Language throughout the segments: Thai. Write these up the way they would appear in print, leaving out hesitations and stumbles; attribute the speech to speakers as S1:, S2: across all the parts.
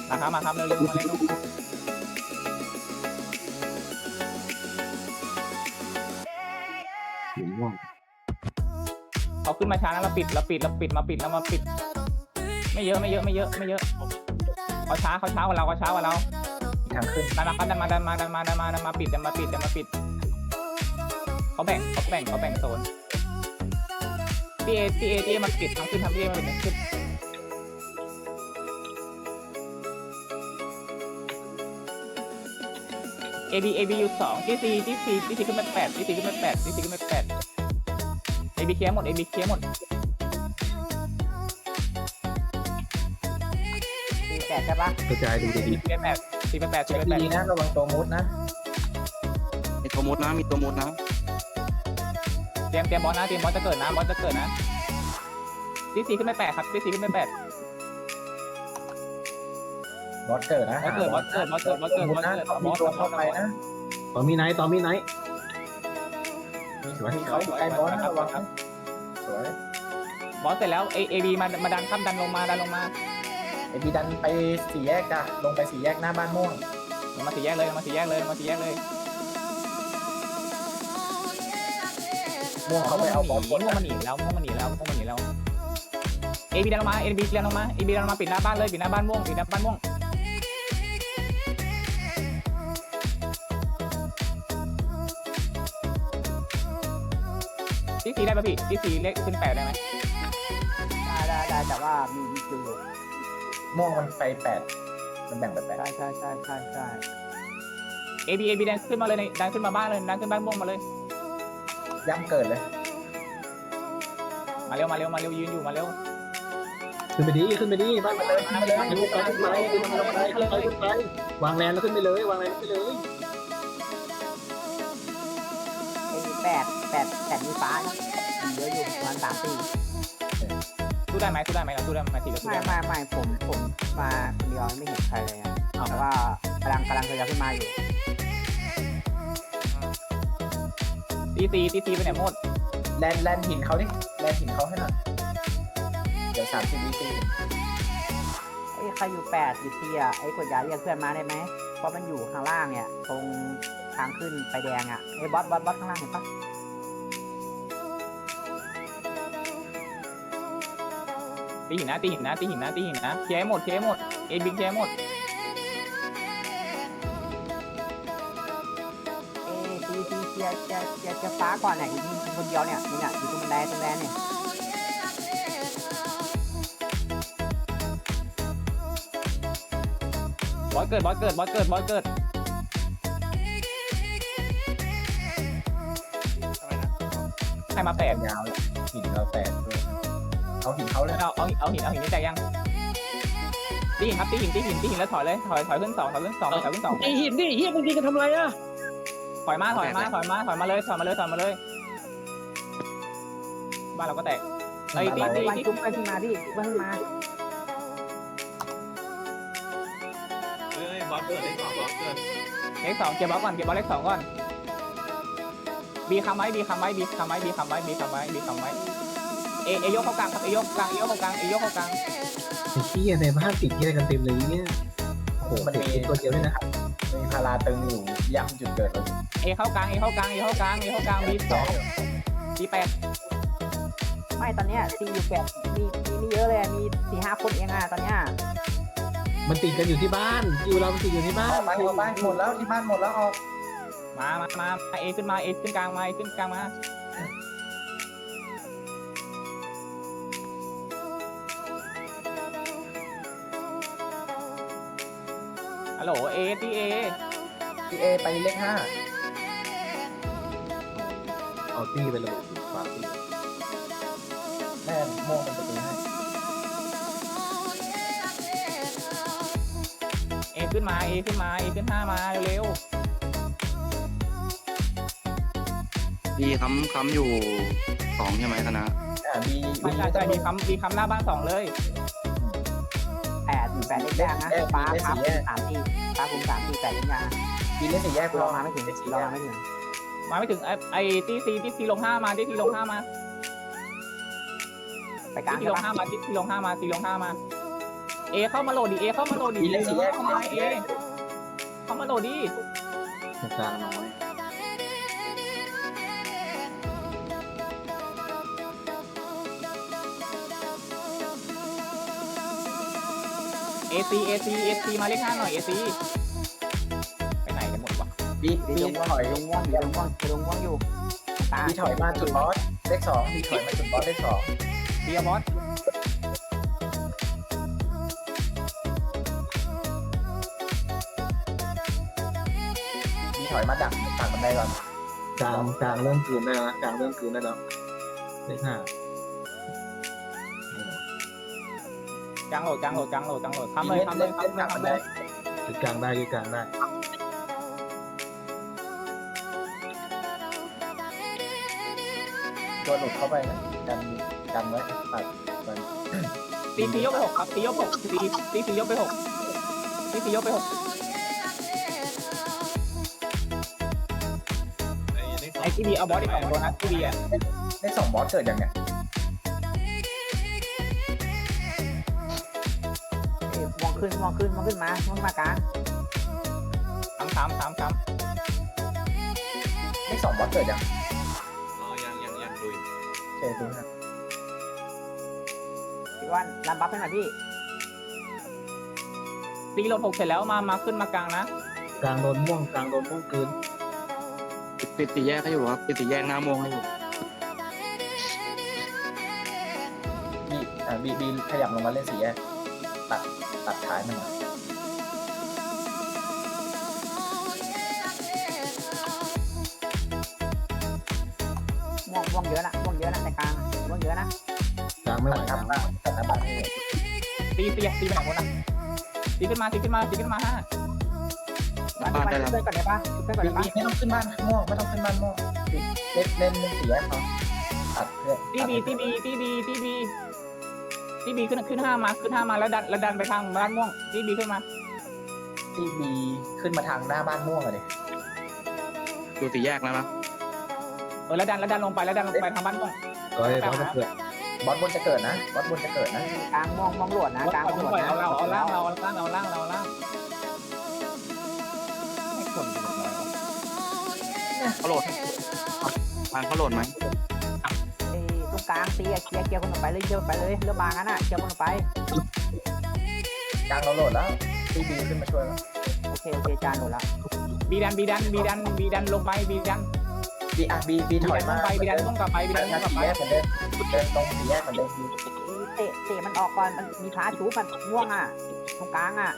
S1: มาครับเร็วๆมาเร็วเขาขึ้นมาช้านะเราปิดมาปิดไม่เยอะเขาช้ากว่าเรา
S2: ทางขึ้น
S1: ดันมาปิดเขาแบ่งโซนที่มาปิดทางขึ้นทำที่มาปิดขึ้นAB อยู่2ที่4ขึ้นมา8ที่4ขึ้นมา8AB เคลียร์หมด
S3: 48ใช่ปะ
S4: กระจายดูดี
S1: 4เป็น8
S2: ดีนะระวังตัวมุดนะ
S4: มีตัวมุดนะมีตัวมุดนะ
S1: เตรียมบอสจะเกิดนะที่4ขึ้นมา8ครับที่4ขึ้นมา8
S2: บอสเกิดนะ
S1: บอสเกิด
S2: มีตัวเข้าไปนะ
S4: ต่อมีไนท์
S2: มีเขาอยู่ใกล้บอสนะระวังสวย
S1: บอสเสร็จแล้วเอบีมาดันข้ามดันลงมา
S2: ไอบีดันไป4 แยกจ้ะลงไป4 แยกหน้าบ้านม่วง
S1: มา4 แยกเลย
S2: ม่วงเขาไปเอาบอสบน
S1: ม่วงมันหนีแล้วเอบีดันลงมาปิดหน้าบ้านเลยปิดหน้าบ้านม่วงที่4ได้ป่ะพี่ที่4เลขขึ้น8ได้ไหม
S3: ได้แต่ว่ามีอยู่
S2: ม่วงมันไป8มันแบ่งไป8
S3: ใช่
S1: เอบีดันขึ้นมาเลยดันขึ้นมาบ้านเลยดันขึ้นบ้านม่วงมาเลย
S2: ย่ำเกิดเลย
S1: มาเร็วยืนอยู่มาเร็ว
S4: ขึ้นไปดีบ้านมาเลยวางแลนแล้วขึ้นไปเลยวางแลนขึ้นไปเลย
S3: 8มีฟ้าเยอะอยู่ประมาณ3-4
S1: สู้ได้ไหมทีละสู้ได้
S3: ไม่ผมมาคนเดียวไม่เห็นใครเลยแต่ว่ากำลังจะขึ้นมาอยู่
S1: ตีไปไหนหมด
S2: แลนหินเขาดิแลนหินเขาให้หน่อยเดี๋ยว30 วิตี
S3: ใครอยู่8อยู่ที่ไอ้กดยาเรียกเพื่อนมาได้ไหมเพราะมันอยู่ข้างล่างเนี่ยตรงทางขึ้นไฟแดงไอ้บอสข้างล่างเห็นปะ
S1: ตีหินนะเคลียร์หมดเอบิงเคลียร์หมด
S3: ตีเคลียร์ฟ้าก่อนเนี่ยอยู่คนเดียวเนี่ยอยู่ตรงแดนเนี่ย
S1: บอสเกิดให้มา8
S2: ยาวเลยหินเรา8ด้วยเอาหินเขาเลย
S1: เอาหินนี่แตกยังตีหินแล้วถอยขึ้น2
S4: ไอหินดิเฮียมึงยิงกันทำไรอ่ะ
S1: ถอยมาเลยบ้านเราก็แตกไอ้ตี
S3: จุ๊บไปขึ้นมา
S1: บอสเกิดเลข 2เก็บบอสเลข 2ก่อนบีคำไว้เอยกเข้ากลางครับเอยกเข้ากลาง
S4: ไอ้เฮียในบ้านติดเฮียกันเต็มเลยเนี่ยโอ้โหมันมีตัวเดียวด้วยนะ
S2: มีพาราตึงอยู่ย่ำจุดเกิดเลย
S1: เอเข้ากลางบี2บี8
S3: ไม่ตอนเนี้ยตีอยู่8มีเยอะเลยมี 4-5 คนเองตอนเนี้ย
S4: มันติดกันอยู่ที่บ้านเราติดอยู่ที่บ้าน
S2: ไปหมดแล้วที่บ้านหมดแล้วออก
S1: มาเอขึ้นกลางมาฮัลโหลเอ
S2: ไปเลข 5
S4: เอาตี้ไประเบิดฟ้าตี
S2: แม่ม่วงมันจะตีให้
S1: เอขึ้น5มาเร็ว
S4: ดีค้ำอยู่2ใช่ไหมคณะ
S1: ใช่บีค้ำหน้าบ้าน2เลย
S3: 8เลขแดงนะฟ้าคุม3 4 8เลขยา
S2: บีเลข4 แยก
S3: รอมาไม่ถึง
S1: ไอ้ที่4ลง5มาไปกลาง
S3: ที่ลง5
S1: มาเอเอเข้ามาโหลดดิเอเข้ามาโหลดดิ
S2: ดีเล่นสี่แยก
S1: เข้ามาเอเข้ามาโหลดดิ
S4: ตรงกลางน้อย
S1: เอซีมาเลข 5หน่อยเอซีไปไหนกันหมดวะ
S2: บี
S3: ดี
S2: บี
S3: ลง
S2: ถอย
S3: ลงว่องอยู่ลงว่องลงว่องอยู่ตา
S2: บีถอยมาจุดบอสเลข2บีถอยมาจุดบอสเลข2
S1: เบียร์บอส
S2: บีถอยมาดักบันไดก่อน
S4: กลางเริ่มกลืนได้แล้วกลางเริ่มกลืนได้แล้วเลข 5
S1: กลางโหลดทำเลย
S2: ดักบันได
S4: ยึดกลางได้ยึดกลางได้
S2: ตัวหลุดเข้าไปนะกันไว้ตัดมัน
S1: ตียกไป6ครับตียก6ตียกไป6ตียกไป6ไอ้ที่บีเอาบอสอีก2ตัวนะที่บีอ่ะ
S2: เลข2บอสเกิดยังไง
S3: ว่องขึ้นมากลาง
S1: 3
S2: เลข2บอสเกิดยัง
S5: ยังดู
S2: โอเคดูนะ
S3: พี่วันรับบัฟให้หน่อยพี่
S1: ตีโหลด6เสร็จแล้วมาขึ้นมากลางนะ
S4: กลางโดนม่วงกลืน
S5: ปิดสี่แยกให้อยู่ครับปิดสี่แยกหน้าโมงให้อยู่
S2: บีขยับลงมาเล่น4แยกตัดท้ายมันหน่อย
S3: ว่องเยอะนะในกลางว่องเยอะนะ
S4: กลางไม่ไหว
S2: ตัด
S4: ก
S2: ห
S4: ลาง
S2: น้าบ้านให้
S1: ตีไปไหนหมดนะตีขึ้นมา5
S3: วันเพื่อนก่อนได้ปะเพื่อนก่อน
S2: บี
S3: ได้ปะ
S2: ไม่ต้องขึ้นบ้านม่วงไม่ต้องขึ้นบ้านม่วงเล่น4แยกเขาตัดเพื่อน
S1: ตีบีขึ้น5มาแล้วดันไปทางบ้านม่วงตีบีขึ้นมา
S2: ที่บีขึ้นมาทางหน้าบ้านม่วงเลย
S5: ดูสี่แยกแล้วนะ
S1: แล้วดันลงไปทางบ้านม่วง
S4: ร้อยจะเกิด
S2: บอสบนจะเกิดนะบอสบนจะเกิดนะ
S3: กลางม่วงหลวดนะกลางม่วงหลวดนะ
S1: เอาล่างไม่คน
S5: เขาโหลดทางเขาโหลดไหม
S3: ตรงกลางตีเคลียร์คนออกไปเลยเรื่องบางนั้นอ่ะเคลียร์คนออกไป
S2: กลางเราโหลดแล้วที่บีขึ้นมาช่วยแล้ว
S3: โอเคจานหมดแล้ว
S1: บีดันลงไปบีดัน
S2: บีถอยมา
S1: ไปบีดันต้องกลับไปบีดันต้องกลับ
S2: 4
S1: ไป
S2: แยกเหมือนเดิมตรง4แยกเหมือนเดิม
S3: เตะมันออกก่อนมันมีพาชูมันม่วงอ่ะตรงกลางอ่ะ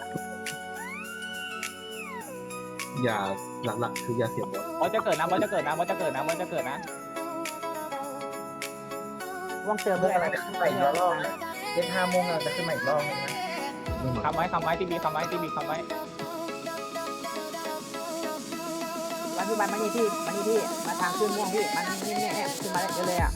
S4: อย่าหลักๆคืออย่าเสียบอล
S1: บอสจะเกิดนะ
S3: ว่องเจอ
S2: เพื่
S3: เพื่
S2: อ
S3: อน
S2: อะไรจะขึ้นมาอีกรอบนะเล่น5 โมงเราจะขึ้นมาอีกรอบนึงนะ
S1: คำไว้ตีบีคำไว้
S3: วันพี่บันมานี่พี่มาทางขึ้นม่วงพี่มันนี่ขึ้นมาได้เลยอ่ะ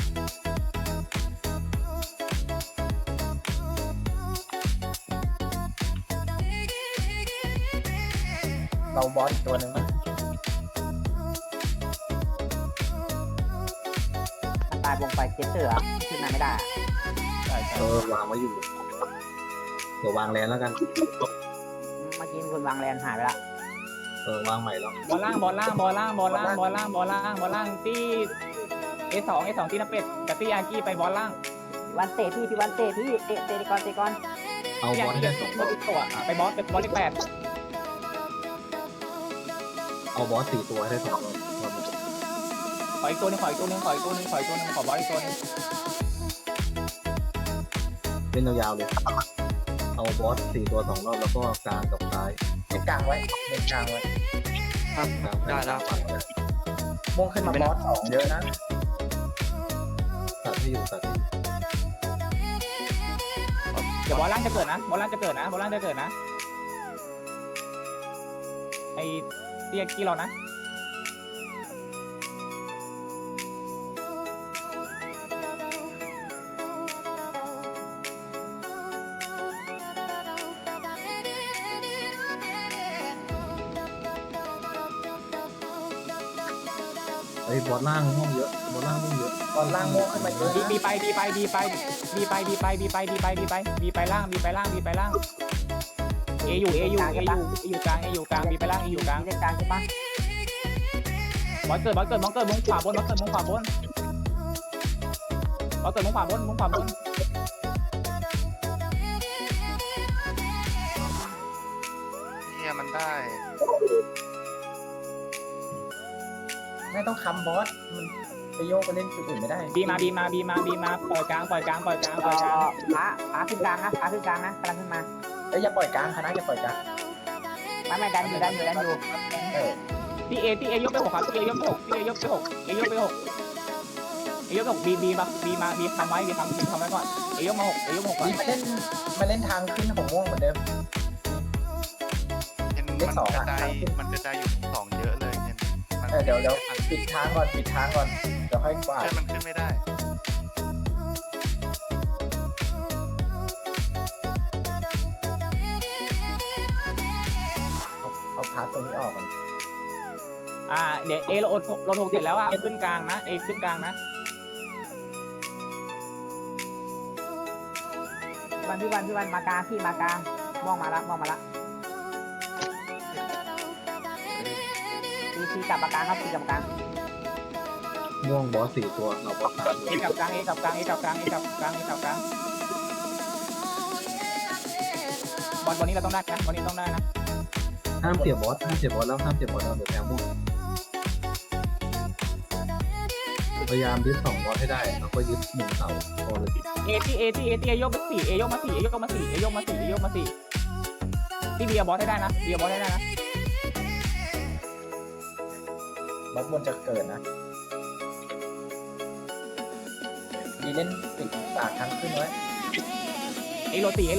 S2: เราบอสอีกตัวหนึ่งนะ
S3: ตายวงไปเจ็ดเสือขึ้นมาไม่ได้
S4: วางไว้อยู่เดี๋ยววางแลนแล้วกัน
S3: เมื่อกี้คนวางแลนหายไปละ
S4: วางใหม่แล้ว
S1: บอลล่างตีA2 ตีนับเป็ดกับตีอากี้ไปบอลล่าง
S3: วันเตะพี่วันเตะก่อน
S4: เอาบอลให้ได้2บอล
S1: ตัวไปบอลเลข
S4: เอาบอส4ตัวให้ได้2บอล
S1: 8ขออีกตัวนึงขอบอลอีกตัวนึง
S4: เล่นยาวๆเลยเอาบอส4ตัว2รอบแล้วก็กลางกับซ้าย
S2: เล่นกลางไว้เล่นกลางไว้
S5: ครับ
S4: กลาง
S5: ได้แล้ว
S2: ม่วงขึ้นมาบอส2เยอะนะ
S4: ตัดให้อยู่
S1: เดี๋ยวบอลล่างจะเกิดนะไอ้ตีอากี้เรานะ
S4: ไอ้บอลล่างม่วงเยอะบอลล่างม่วงเยอะ
S2: บอลล่างโม่ขึ้นมาเยอะ
S1: บี
S2: นะ
S1: บีไปบีไปบีไปบีไปบีไปบีไปบีไปบีไปบีไปล่างบีไปล่างบีไปล่างเออยู่เออยู่เออยู่เออยู่กลางเออยู่กลางบีไปล่างเออยู่กลาง
S3: มีเล่นกลางใช่ปะ
S1: บอลเกิดมองเกิดมุมขวาบนบอลเกิดมุมขวาบนบอลเกิดมุมขวาบนมุมขวาบน
S6: เนี่ยมันได้
S2: ไม่ต้องค้ำบอสมันไปโยกไปเล่นจุดอื่นไม่ได้
S1: บีมาบีมาบีมาบีมาปล่อยกลางปล่อยกลางปล่อยกลางปล่อยกลาง
S3: พาขึ้นกลางนะพาขึ้นกลางนะกำลังขึ้นมา
S2: เอ้ยอย่าปล่อยกลางคณะอย่าปล่อยกลาง
S3: ไม่ดันอยู่
S2: เออ
S1: ที่เอยกไปหกครับที่เอยกไปหกที่เอยกไปหกเอยกไปหกเอยกไปหกบีมาบีทำไว้บีทำไว้ก่อนเอยกมาหกเอยกมาหกก่อน
S2: นี่มาเล่นทางขึ้นของม่วงเหมือนเดิม
S6: เห็นมันกระจายมันกระจายอยู่สองเยอะเลยเห็นมัน
S2: เดี๋ยวปิดทางก่อนปิดทางก่อนเดี๋ยวค่อยกวาด
S6: เชื่อมันขึ้นไม่ได้
S2: เอาพาร์ทตรงนี้ออกก่อน
S1: เดี๋ยวเอเราโทรเสร็จแล้วขึ้นกลางนะเอขึ้นกลางนะ
S3: พี่วันมากลางพี่มากลางมองมาละตีกลับมากลางครับตีกลับมากลาง
S4: ม่วงบอส4ตัวเราบอส3ตัว
S1: เอกับกลางเอกับกลางเอกับกลางเอกับกลางเอกับกลางบอลนี้เราต้องได้นะบอลนี้ต้องได้นะ
S4: ห้ามเสียบอสแล้วห้ามเสียบอสแล้วเดี๋ยวแพ้ม่วงพยายามยึด2บอสให้ได้แล้วก็ยึด1เสาพอเลย
S1: เอยกไปสี่เอยกมาสี่ที่เบียร์บอลให้ได้นะเบียร์บอลให้ได้นะ
S2: บอสบนจะเกิดนะดีเล่นปิดปากทางขึ้นไว้
S1: เอโรตี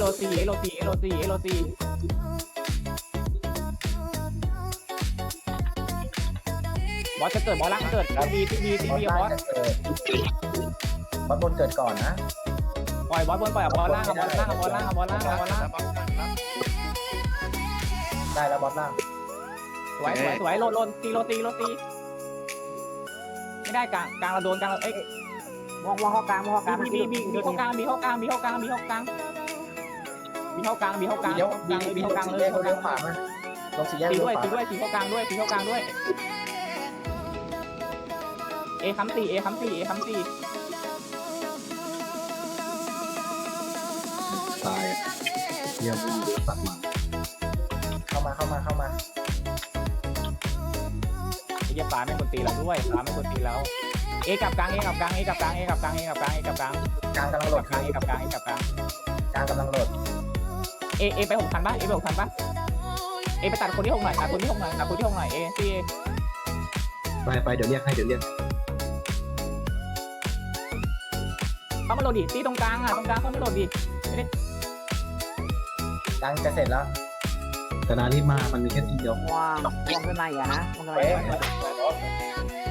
S1: บอลจะเกิดบอลล่างเกิดที่บี
S2: บอส
S1: บอ
S2: ล่าง
S1: ล
S2: จะเกิดบอสบนเกิดก่อนนะ
S1: ปล่อยบอลบนปล่อยบอลล่างบอลล่าง
S6: แล้วบอลขึ้นแล้ว
S2: ได้แล้วบอสล่าง
S1: สวยโลนตีไม่ได้กลางเราโดนกลางเอ้ย
S3: มองเข้ากลาง
S1: บีเข้ากลางเลย
S2: เลี้ยวขวามาลงสี่แยก
S1: ตี
S2: เลี้ยว
S1: ด้วย
S2: ขวา
S1: ตีเข้ากลางด้วยเอค้ำสี่
S4: ตายเยี่ยมม่วงเดือดสัตว์มา
S2: เข้ามา
S1: ไอ้เหี้ยปลาไม่ควรตีเราด้วยปลาไม่ควรตีเราเอกับกลาง
S2: กลางกำลังโหลด
S1: กลางกำลังโหลด เอไป6,000ป่ะเอไปตัดคนที่6หน่อยตัดคนที่6หน่อยเอที่
S4: ไปเดี๋ยวเรียกให้
S1: เข้ามาโหลดดิตีตรงกลางเข้ามาโหลดดิ
S2: กลางจะเสร็จแล้ว
S4: แต่นารีบมามันมีแค่ทีเดียว
S3: มองขึ้นมาอีกนะมองขึ้นมา
S2: เป๊ะ
S3: อีก